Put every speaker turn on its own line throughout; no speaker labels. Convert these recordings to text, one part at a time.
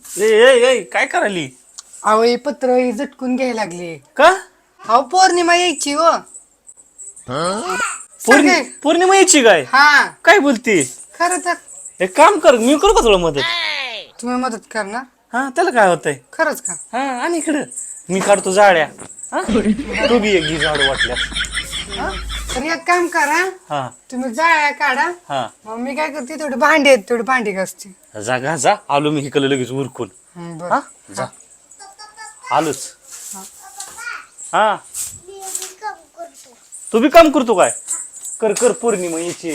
ए ए ए काय करायली?
अहो हे पत्र हे झटकून घ्यायला लागले.
का?
अहो पौर्णिमा यायची हो.
पौर्णिमा यायची काय?
हा
काय बोलते?
खरं तर
एक काम कर, मी करू का तुला मदत?
तुम्ही मदत करणार?
हा त्याला काय होतंय?
खरंच का?
हा आणि इकडं मी काढतो जाळ्या. हा तू बी एक घे झाड वाटल्यास.
तर एक काम करा,
हा
तुम्ही जाळ्या काढा.
हा
मग मी काय करते, थोडी भांडी आहेत, थोडी भांडी घासते.
जा आलो मी इकडे लगेच उरकून.
बरं.
हा जा आलोच. हा तू बी काम करतो काय? कर कर पौर्णिमा यायची.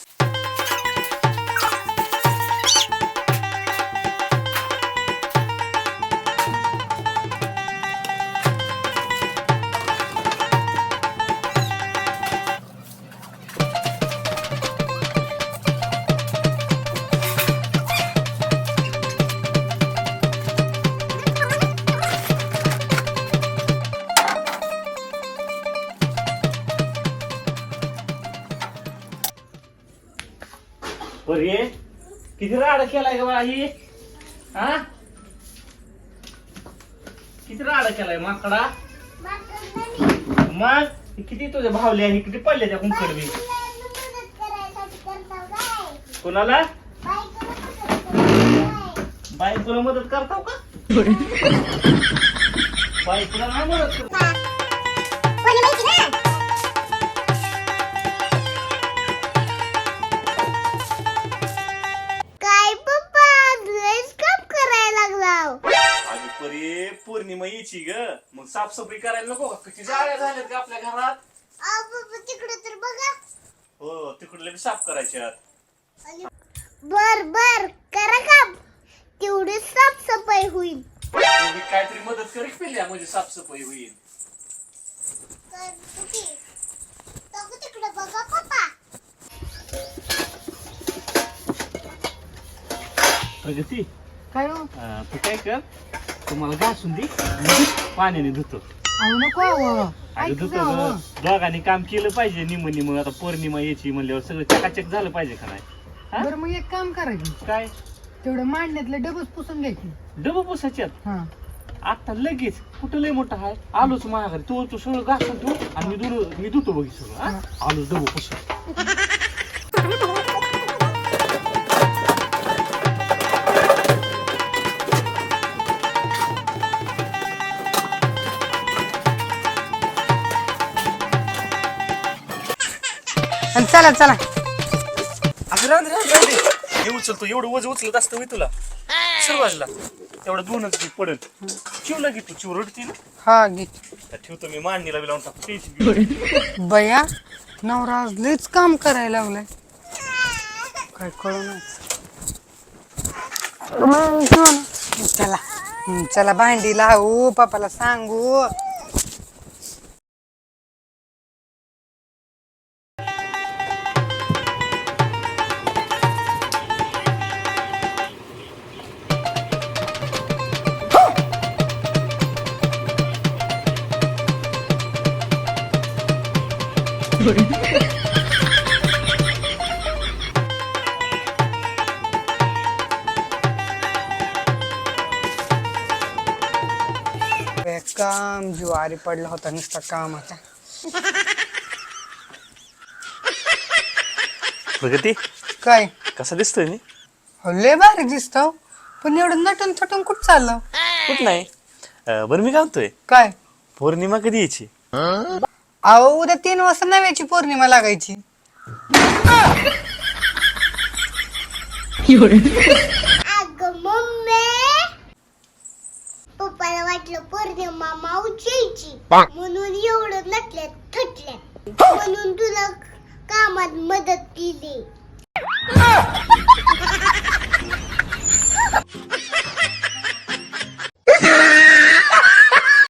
बरे किती राडा केलाय ग बाळा ही? हा किती राडा केलाय माकडा? मग किती तुझ्या भावल्या ही किती पडल्या त्या कुंकडवी? कोणाला? बायकोला मदत करताव का? बायकोला नाही मदत करत. परे पौर्णिमा यायची ग, मग साफसफाई करायला नको का? किती जाळ्या झाल्यात का आपल्या घरात?
तिकडे तर बघा.
हो तिकडले बी साफ करायच्यात.
बर बर करा काम, तेवढी साफसफाई होईल.
तुम्ही काहीतरी मदत करी पहिल्या म्हणजे साफसफाई होईल.
तिकडे बघा पप्पा.
प्रगती
काय हो?
तू काय कर, तुम्हाला घासून दे, पाण्याने धुतो.
अहो नको अहो.
अगं धुतो ग. दोघांनी काम केलं पाहिजे निम निम. आता पौर्णिमा यायची म्हणल्यावर सगळं चकाचक झालं पाहिजे का नाही? हा?
बरं मग एक काम करा की,
काय
तेवढं मांडण्यातलं डबच पुसून घ्यायची.
डबं पुसायच्यात
हा
आता लगेच? कुठं लय मोठं आहे, आलोच माझ्या घरी. तू सगळं घासून ठेव आणि मी धुतो बघ सगळं. हा? आलोच डबं पुसून.
आणि चला चला.
असं राहून दे. हे उचलतो, एवढं वज उचलत असतं होय तुला? सुरुवातीला तेवढं दोनच की पडल. चिवला की तू चिव रडती ना?
हा घे.
ठेवतो मी मांडणीला बी लावून टाकतो. टेन्शन
बया नवरा आज लयच काम करायला लागलाय. काय कळू चला. चला भांडी लावू, पप्पाला सांगू. काम ज्वारी पडला होता नुसता कामाचा.
प्रगती
काय
कसा दिसतोय मी?
लय भारी दिसतो, पण एवढं नटून थटून कुठं चाललं?
कुठ नाही. बरं मी काय म्हणतोय,
काय?
पौर्णिमा कधी यायची?
अहो उद्या 3 वाजता नव्याची पौर्णिमा लागायची.
अगं मम्मी, पप्पाला वाटलं पौर्णिमा मावशीची म्हणून एवढं नटल्यात थटल्यात, म्हणून तुला कामात मदत केली.